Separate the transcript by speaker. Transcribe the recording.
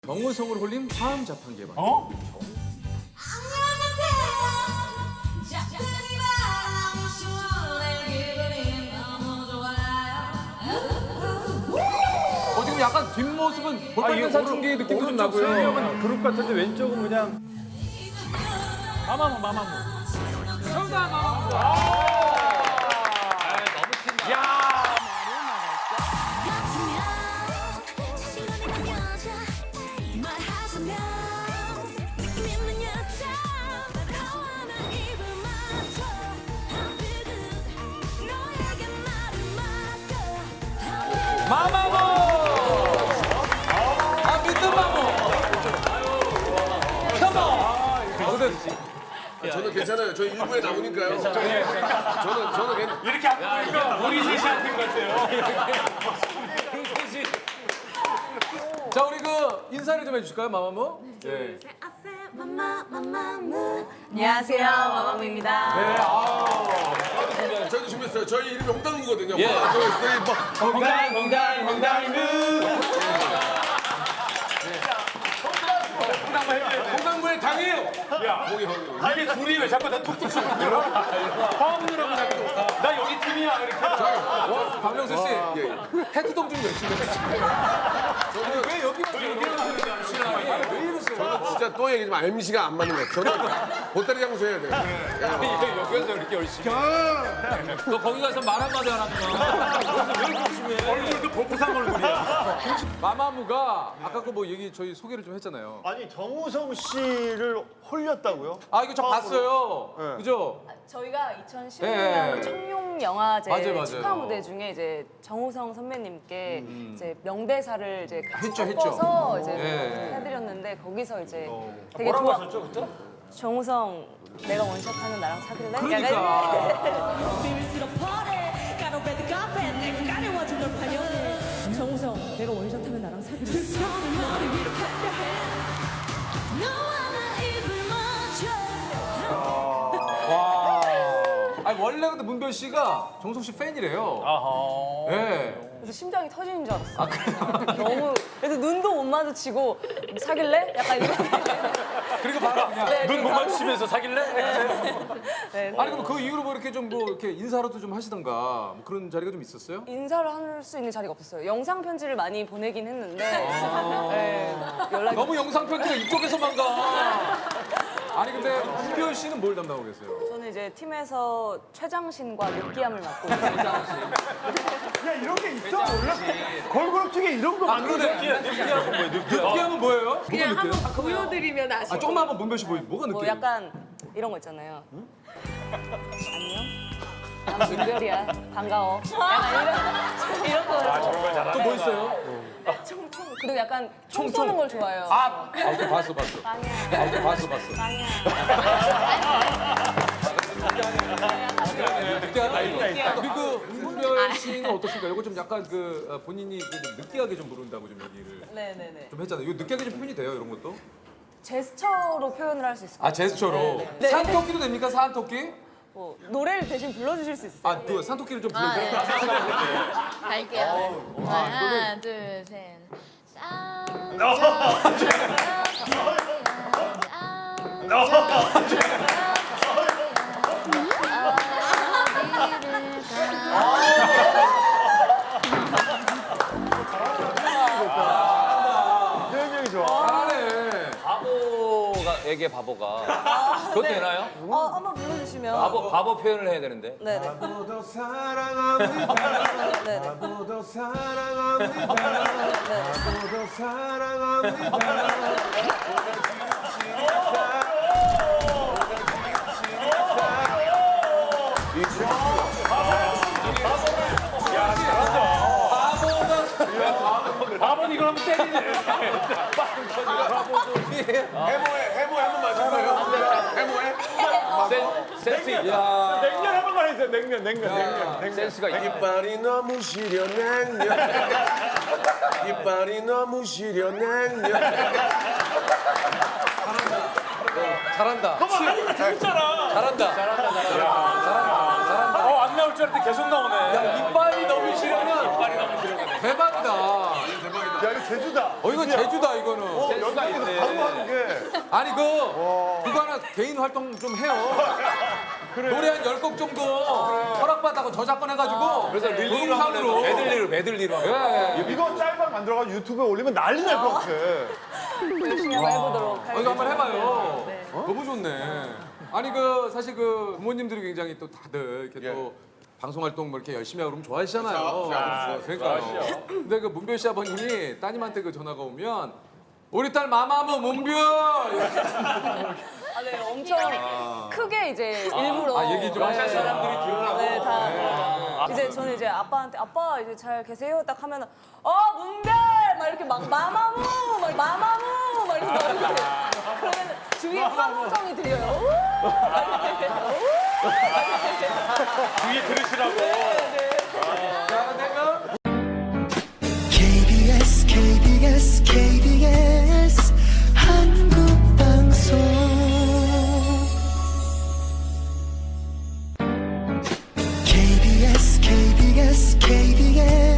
Speaker 1: 정우성을 홀린 화음 자판기 방. 지금 약간 뒷모습은 볼빨간 사춘기 느낌도 좀 나고요.
Speaker 2: 수영은 그룹 같은데 왼쪽은 그냥 마마무.
Speaker 1: 정답 마마무. 너무 튄다. 야. 마마무! 아, 믿는 마무! 컴온!
Speaker 3: 저는 괜찮아요. 저희 일부에 나오니까요. 저는
Speaker 2: 이렇게 안 보니까 우리 셋이 한팀 같아요.
Speaker 1: 자, 우리 그 인사를 좀 해주실까요, 마마무? 네.
Speaker 4: 안녕하세요, 마마무입니다.
Speaker 3: 저희도 준비했어요. 저희 이름이 홍당무거든요.
Speaker 1: 예.
Speaker 3: 홍당무의 당이에요.
Speaker 2: 이게 둘이 왜 자꾸 나 툭툭 치고 들어? 화음으로 자꾸 나 여기 팀이야 이렇게.
Speaker 1: 박명수 씨, 헤드동 좀 열심히 해주세요. 저는 왜 여기만 왜 이러세요?
Speaker 3: 저는 진짜 또 얘기지만 MC가 안 맞는 것 같아요. 저는 보따리 장소 해야 돼요.
Speaker 1: 여기서 이렇게 열심히. 너 거기 가서 말 한마디 하라면.
Speaker 2: 얼굴도 보부상 얼굴이야.
Speaker 1: 마마무가 아까 그 뭐 얘기 저희 소개를 좀 했잖아요.
Speaker 5: 아니 정우성 씨를 홀렸다고요?
Speaker 1: 아 이거 저 봤어요.
Speaker 5: 네.
Speaker 1: 그죠?
Speaker 4: 저희가 2016년
Speaker 1: 네.
Speaker 4: 청룡 영화제
Speaker 1: 맞아요.
Speaker 4: 축하 무대 중에 이제 정우성 선배님께 이제 명대사를 이제 같이
Speaker 1: 했죠.
Speaker 4: 섞어서 이제
Speaker 1: 네.
Speaker 4: 해드렸는데 거기서 이제 되게
Speaker 2: 뭐라고
Speaker 4: 좋아.
Speaker 2: 하셨죠 그때?
Speaker 4: 정우성 내가 원샷하면 나랑 사귈래?
Speaker 1: 그러니까.
Speaker 6: 정우성 내가 원샷하면 나랑 사귀래.
Speaker 1: 아니 원래 근데 문별 씨가 정우성 씨 팬이래요.
Speaker 2: 아하.
Speaker 1: 네.
Speaker 4: 그래서 심장이 터지는 줄 알았어. 너무 그래서 눈도 못 마주치고 사귈래? 약간 이렇게.
Speaker 1: 그리고 바로 그냥.
Speaker 4: 네,
Speaker 2: 눈 못 마주치면서 사귈래?
Speaker 4: 네.
Speaker 1: 아니 그럼 그 이후로 뭐 이렇게 좀 뭐 이렇게 인사라도 좀 하시던가 뭐 그런 자리가 좀 있었어요?
Speaker 4: 인사를 할 수 있는 자리가 없었어요. 영상 편지를 많이 보내긴 했는데 네, 연락이
Speaker 1: 너무 영상 편지가 이쪽에서만 가. 아니 근데 문별 씨는 뭘 담당하고 계세요?
Speaker 4: 저는 이제 팀에서 최장신과 느끼함을 맡고 있습니다.
Speaker 5: 야 이런 게 있어? 몰라? 걸그룹 중에 이런 거
Speaker 1: 아 그러네.
Speaker 2: 느끼하고 뭐예요?
Speaker 1: 느끼하면 뭐예요?
Speaker 6: 그냥
Speaker 1: 뭐가 느끼해요?
Speaker 6: 한번 보여드리면 아시고.
Speaker 1: 아 조금만 한번 문별 씨 보여. 뭐가
Speaker 4: 뭐
Speaker 1: 느끼해요?
Speaker 4: 약간 이런 거 있잖아요. 안녕? 난 문별이야. 반가워. 약간 이런 거.
Speaker 1: 또 뭐 있어요?
Speaker 4: 그리고 약간 총 쏘는 걸 좋아해요.
Speaker 1: 오케이 봤어.
Speaker 4: 빵이야.
Speaker 1: 오케이 봤어.
Speaker 4: 빵이야.
Speaker 1: 느끼하다 이거. 우리 그 문별 씨는 어떻습니까? 이거 좀 약간 그 본인이 좀 느끼하게 좀 부른다고 좀 얘기를
Speaker 4: 네네네.
Speaker 1: 좀 했잖아요. 이거 느끼하게 좀 표현이 돼요 이런 것도?
Speaker 4: 제스처로 표현을 할 수 있을 것
Speaker 1: 아
Speaker 4: 같아요.
Speaker 1: 제스처로.
Speaker 4: 네.
Speaker 1: 산토끼도 됩니까? 산토끼?
Speaker 4: 뭐, 노래를 대신 불러주실 수 있어요?
Speaker 1: 아, 그 산토끼를 좀 불러줘요.
Speaker 7: 갈게요. 하나, 둘, 셋.
Speaker 5: 표현력이 좋아.
Speaker 1: 잘하네.
Speaker 8: 바보가에게 바보가 그것도 되나요?
Speaker 4: 한번 불러주시면.
Speaker 8: 바보 표현을 해야 되는데.
Speaker 4: 네네.
Speaker 3: 나보다 사랑합니다.
Speaker 4: 네네.
Speaker 3: 나보다 사랑합니다. 나보다 사랑합니다.
Speaker 2: 바보는 이걸 하면 때리네.
Speaker 3: 해모해 한번 맞을까요? 해모해?
Speaker 8: 센스
Speaker 1: 야.
Speaker 2: 냉면 한 번만 해주세요. 냉면.
Speaker 8: 센스가 있
Speaker 3: 이빨이 너무 시려 냉면. 이빨이 너무 시려 냉면.
Speaker 1: 잘한다.
Speaker 2: 너무 하니까 재밌잖아.
Speaker 1: 잘한다.
Speaker 2: 안 나올 줄 알았는데 계속 나오네.
Speaker 1: 이빨이 너무 시려면 대박이다.
Speaker 3: 대박이다.
Speaker 5: 야 이거 제주다.
Speaker 1: 이건 제주다 이거는.
Speaker 5: 연락에서 바로 하는 게.
Speaker 1: 아니 그거 하나 개인 활동 좀 해요. 노래 한 10곡 정도 허락받다고 저작권 해가지고
Speaker 8: 그래서 릴리로 하면 메들리로 하면.
Speaker 1: 예.
Speaker 5: 이거 짤방 만들어가지고 유튜브에 올리면 난리 날 것 같아.
Speaker 4: 열심히 한번 해보도록
Speaker 1: 이거
Speaker 4: 하겠습니다.
Speaker 1: 한번 해봐요.
Speaker 4: 네.
Speaker 1: 너무 좋네. 아니 그 사실 그 부모님들이 굉장히 또 다들 이렇게 또 방송 활동 뭐 이렇게 열심히 하고 그러면 좋아하시잖아요. 그러니까요. 근데 그 문별 씨 아버님이 따님한테 그 전화가 오면 우리 딸 마마무 문별
Speaker 4: 아, 네, 엄청 크게 이제 일부러
Speaker 1: 얘기 좀 하실 사람들이 들으라고.
Speaker 4: 네, 다 이제 저는 이제 아빠한테 아빠 이제 잘 계세요 딱 하면은 문별 막 이렇게 막 마마무 막 이렇게 나오는데 그러면 주위에 환호성이 들려요.
Speaker 2: 뒤에 들으시라고.
Speaker 1: 자, 내가
Speaker 9: KBS KBS KBS 한국방송 KBS KBS KBS